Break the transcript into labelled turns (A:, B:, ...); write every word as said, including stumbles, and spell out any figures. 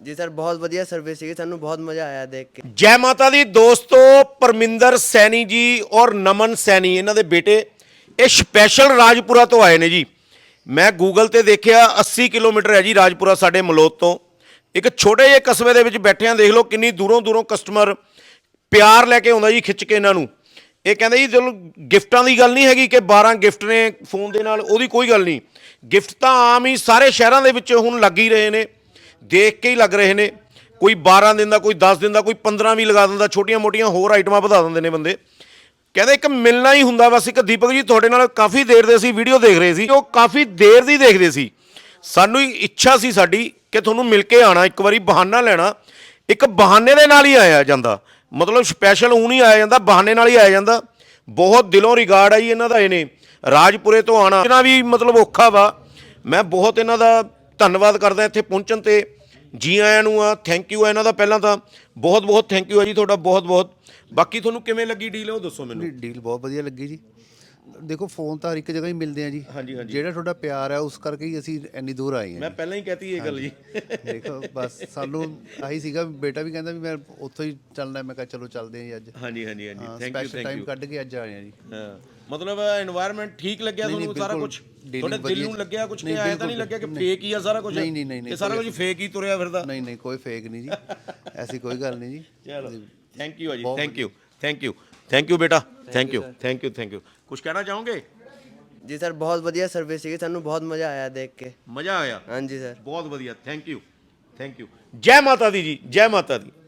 A: जी sir बहुत बढ़िया service थी, सानू बहुत मज़ा आया देख के।
B: जय माता दी दोस्तों, परमिंदर सैनी जी और नमन सैनी इन्हां दे बेटे ये स्पैशल राजपुरा तो आए ने जी। मैं गूगल ते देखिया अस्सी किलोमीटर है जी राजपुरा साडे मलोत तो। एक छोटे ਜਿਹੇ कस्बे ਦੇ ਵਿੱਚ ਬੈਠੇ ਆਂ, देख लो किन्नी दूरों दूरों कस्टमर प्यार लैके आउंदा जी खिच के इन्हां नूं। ਇਹ ਕਹਿੰਦੇ ਜੀ ਚਲੋ ਗਿਫਟਾਂ ਦੀ ਗੱਲ ਨਹੀਂ ਹੈਗੀ ਕਿ ਬਾਰਾਂ ਗਿਫਟ ਨੇ ਫੋਨ ਦੇ ਨਾਲ, ਉਹਦੀ ਕੋਈ ਗੱਲ ਨਹੀਂ। ਗਿਫਟ ਤਾਂ ਆਮ ਹੀ ਸਾਰੇ ਸ਼ਹਿਰਾਂ ਦੇ ਵਿੱਚ ਹੁਣ ਲੱਗ ਹੀ ਰਹੇ ਨੇ, ਦੇਖ ਕੇ ਹੀ ਲੱਗ ਰਹੇ ਨੇ। ਕੋਈ ਬਾਰਾਂ ਦਿਨ ਦਾ, ਕੋਈ ਦਸ ਦਿਨ ਦਾ, ਕੋਈ ਪੰਦਰਾਂ ਵੀ ਲਗਾ ਦਿੰਦਾ, ਛੋਟੀਆਂ ਮੋਟੀਆਂ ਹੋਰ ਆਈਟਮਾਂ ਵਧਾ ਦਿੰਦੇ ਨੇ ਬੰਦੇ। ਕਹਿੰਦੇ ਇੱਕ ਮਿਲਣਾ ਹੀ ਹੁੰਦਾ ਬਸ। ਇੱਕ ਦੀਪਕ ਜੀ ਤੁਹਾਡੇ ਨਾਲ ਕਾਫੀ ਦੇਰ ਦੇ ਅਸੀਂ ਵੀਡੀਓ ਦੇਖ ਰਹੇ ਸੀ, ਉਹ ਕਾਫੀ ਦੇਰ ਦੀ ਦੇਖਦੇ ਸੀ। ਸਾਨੂੰ ਇੱਛਾ ਸੀ ਸਾਡੀ ਕਿ ਤੁਹਾਨੂੰ ਮਿਲ ਕੇ ਆਉਣਾ, ਇੱਕ ਵਾਰੀ ਬਹਾਨਾ ਲੈਣਾ। ਇੱਕ ਬਹਾਨੇ ਦੇ ਨਾਲ ਹੀ ਆਇਆ ਜਾਂਦਾ, ਮਤਲਬ ਸਪੈਸ਼ਲ ਊਂ ਨਹੀਂ ਆਇਆ ਜਾਂਦਾ, ਬਹਾਨੇ ਨਾਲ ਹੀ ਆਇਆ ਜਾਂਦਾ। ਬਹੁਤ ਦਿਲੋਂ ਰਿਗਾਰਡ ਆ ਜੀ ਇਹਨਾਂ ਦਾ। ਇਹਨੇ ਰਾਜਪੁਰੇ ਤੋਂ ਆਉਣਾ ਇਹਨਾਂ ਵੀ ਮਤਲਬ ਔਖਾ ਵਾ। ਮੈਂ ਬਹੁਤ ਇਹਨਾਂ ਦਾ ਧੰਨਵਾਦ ਕਰਦਾ ਇੱਥੇ ਪਹੁੰਚਣ ਤੇ। ਜੀ ਆਇਆਂ ਨੂੰ ਆ, ਥੈਂਕ ਯੂ ਆ ਇਹਨਾਂ ਦਾ। ਪਹਿਲਾਂ ਤਾਂ ਬਹੁਤ ਬਹੁਤ ਥੈਂਕ ਯੂ ਆ ਜੀ ਤੁਹਾਡਾ, ਬਹੁਤ ਬਹੁਤ। ਬਾਕੀ ਤੁਹਾਨੂੰ ਕਿਵੇਂ ਲੱਗੀ ਡੀਲ ਉਹ ਦੱਸੋ ਮੈਨੂੰ।
C: ਡੀਲ ਬਹੁਤ ਵਧੀਆ ਲੱਗੀ ਜੀ। ਦੇਖੋ ਫੋਨ ਤਾਂ ਹਰ ਇੱਕ ਜਗ੍ਹਾ ਹੀ ਮਿਲਦੇ ਆ ਜੀ।
B: ਹਾਂਜੀ ਹਾਂਜੀ,
C: ਜਿਹੜਾ ਤੁਹਾਡਾ ਪਿਆਰ ਹੈ ਉਸ ਕਰਕੇ ਹੀ ਅਸੀਂ ਇੰਨੀ ਦੂਰ ਆਏ ਹਾਂ।
B: ਮੈਂ ਪਹਿਲਾਂ ਹੀ ਕਹਤੀ ਇਹ ਗੱਲ ਜੀ।
C: ਦੇਖੋ ਬਸ ਸਾਨੂੰ ਆਹੀ ਸੀਗਾ, ਬੇਟਾ ਵੀ ਕਹਿੰਦਾ ਵੀ ਮੈਂ ਉੱਥੋਂ ਹੀ ਚੱਲਣਾ। ਮੈਂ ਕਿਹਾ ਚਲੋ ਚੱਲਦੇ ਹਾਂ ਜੀ ਅੱਜ।
B: ਹਾਂਜੀ ਹਾਂਜੀ ਹਾਂਜੀ, thank you
C: special
B: thank
C: time
B: you.
C: ਕੱਢ ਕੇ ਅੱਜ ਆਏ ਹਾਂ ਜੀ।
B: ਹਾਂ ਮਤਲਬ एनवायरनमेंट ठीक लग गया ਤੁਹਾਨੂੰ ਸਾਰਾ ਕੁਝ? ਤੁਹਾਡੇ ਦਿਲ ਨੂੰ ਲੱਗਿਆ ਕੁਝ ਕਿ ਆਇਆ ਤਾਂ ਨਹੀਂ ਲੱਗਿਆ ਕਿ ਫੇਕ ਹੀ ਆ ਸਾਰਾ ਕੁਝ?
C: ਨਹੀਂ ਨਹੀਂ ਨਹੀਂ
B: ਇਹ ਸਾਰਾ ਕੁਝ ਫੇਕ ਹੀ ਤੁਰਿਆ ਫਿਰਦਾ?
C: ਨਹੀਂ ਨਹੀਂ ਕੋਈ ਫੇਕ ਨਹੀਂ ਜੀ, ਐਸੀ ਕੋਈ ਗੱਲ ਨਹੀਂ ਜੀ।
B: ਚਲੋ ਥੈਂਕ ਯੂ ਆ ਜੀ, thank you thank you thank you ਬੇਟਾ, thank you thank you thank you. ਕੁਝ ਕਹਿਣਾ ਚਾਹੋਗੇ?
A: जी सर बहुत बढ़िया सर्विस थी, सानू बहुत मज़ा आया देख के।
B: ਮਜ਼ਾ ਆਇਆ?
A: हाँ जी सर
B: ਬਹੁਤ ਵਧੀਆ, ਥੈਂਕ ਯੂ ਥੈਂਕ ਯੂ। ਜੈ ਮਾਤਾ ਦੀ ਜੀ, ਜੈ ਮਾਤਾ ਦੀ।